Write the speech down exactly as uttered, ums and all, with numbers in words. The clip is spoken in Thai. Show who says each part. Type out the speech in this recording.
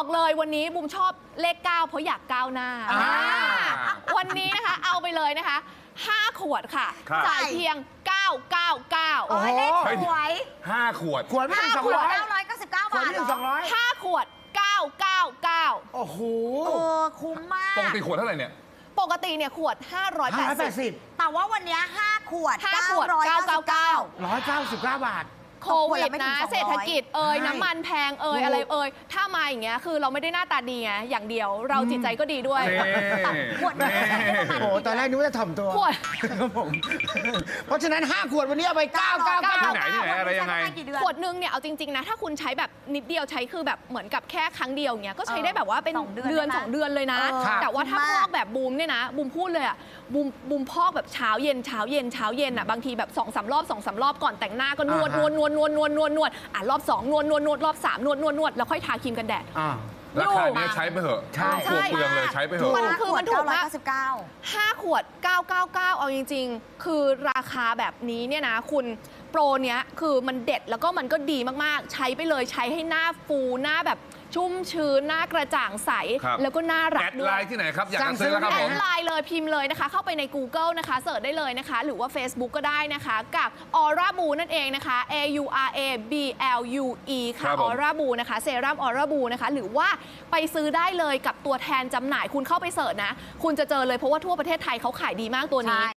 Speaker 1: บอกเลยวันนี้บุมชอบเลขเก้าเพราะอยากก้าวหน้าวันนี้นะคะเอาไปเลยนะคะห้าขวดค่ะจ่ายเพียงเก้าร้อยเก้าสิบเก้าโอ้โหเลขสวย
Speaker 2: ห้าขวด
Speaker 3: ขวดไม่ถึงสองร้อย
Speaker 1: เก้าร้อยเก้าสิบเก้าบาท
Speaker 3: ขวดไม่ถึงสองร้อย
Speaker 1: ห้าขวดเก้าร้อยเก้าสิบเก้า
Speaker 3: โอ้โห
Speaker 1: เออคุ้มมาก
Speaker 2: ปกติขวดเท่าไหร่เนี่ย
Speaker 1: ปกติเนี่ยขวดห้าร้อยแปดสิบ
Speaker 4: แต่ว่าวันนี้ห้าขวด
Speaker 1: ห้าขวดเก้าร้อยเก้าสิบเก้า
Speaker 3: ร้อยเก้าสิบเก้าบาท
Speaker 1: โควิดนะเศรษฐกิจเอ่ยน้ำมันแพงเอ่ยอะไรเอ่ยถ้ามาอย่างเงี้ยคือเราไม่ได้หน้าตาดีไงอย่างเดียวเราจิตใจก็ดีด้วย
Speaker 2: ขวด
Speaker 3: โอ้ตอนแรกนึกว่าจะถ่อมตัว
Speaker 1: ขวด
Speaker 3: ครับผมเพราะฉะนั้นห้าขวดวันนี้เอาไปเก้าเก้าเก้า
Speaker 2: ที่ไหนที่ไหนอะไรยังไง
Speaker 1: ขวดนึงเนี่ยเอาจริงๆนะถ้าคุณใช้แบบนิดเดียวใช้คือแบบเหมือนกับแค่ครั้งเดียวเงี้ยก็ใช้ได้แบบว่าเป็นเดือนสองเดือนเลยนะแต่ว่าถ้าพอกแบบบูมเนี่ยนะบูมพูดเลยอะบูมบูมพอกแบบเช้าเย็นเช้าเย็นเช้าเย็นอะบางทีแบบสองสามรอบสองสามรอบก่อนแต่งหน้าก็นวดนวดนวดนวดนวดนวดนวดอ่ะรอบสองนวดนวดนวดรอบสามนวดนวดนวดแล้วค่อยทาครีมกันแดด
Speaker 2: ราคาเนี้ยใช้ไปเถอะ
Speaker 3: ใช่
Speaker 2: ขวดเปลืองเลยใช้ไปเถอะ
Speaker 1: มันคือมันถูกมากห้าขวดเก้าร้อยเก้าสิบเก้าเอาจริงๆคือราคาแบบนี้เนี่ยนะคุณโปรเนี้ยคือมันเด็ดแล้วก็มันก็ดีมากๆใช้ไปเลยใช้ให้หน้าฟูหน้าแบบชุ่มชื้นหน้ากระจ่างใสแล้วก็น่ารักด้วย
Speaker 2: แอดไลน์ที่ไหนครับอยากจะซื้อแล้วครับผม
Speaker 1: แอดไลน์เลยพิมพ์เลยนะคะเข้าไปใน Google นะคะเสิร์ชได้เลยนะคะหรือว่า Facebook ก็ได้นะคะกับ Aura Boo นั่นเองนะคะ A U R A B L U E ค่ะ Aura Boo นะคะเซรั่ม Aura Boo นะคะหรือว่าไปซื้อได้เลยกับตัวแทนจำหน่ายคุณเข้าไปเสิร์ชนะคุณจะเจอเลยเพราะว่าทั่วประเทศไทยเขาขายดีมากตัวนี้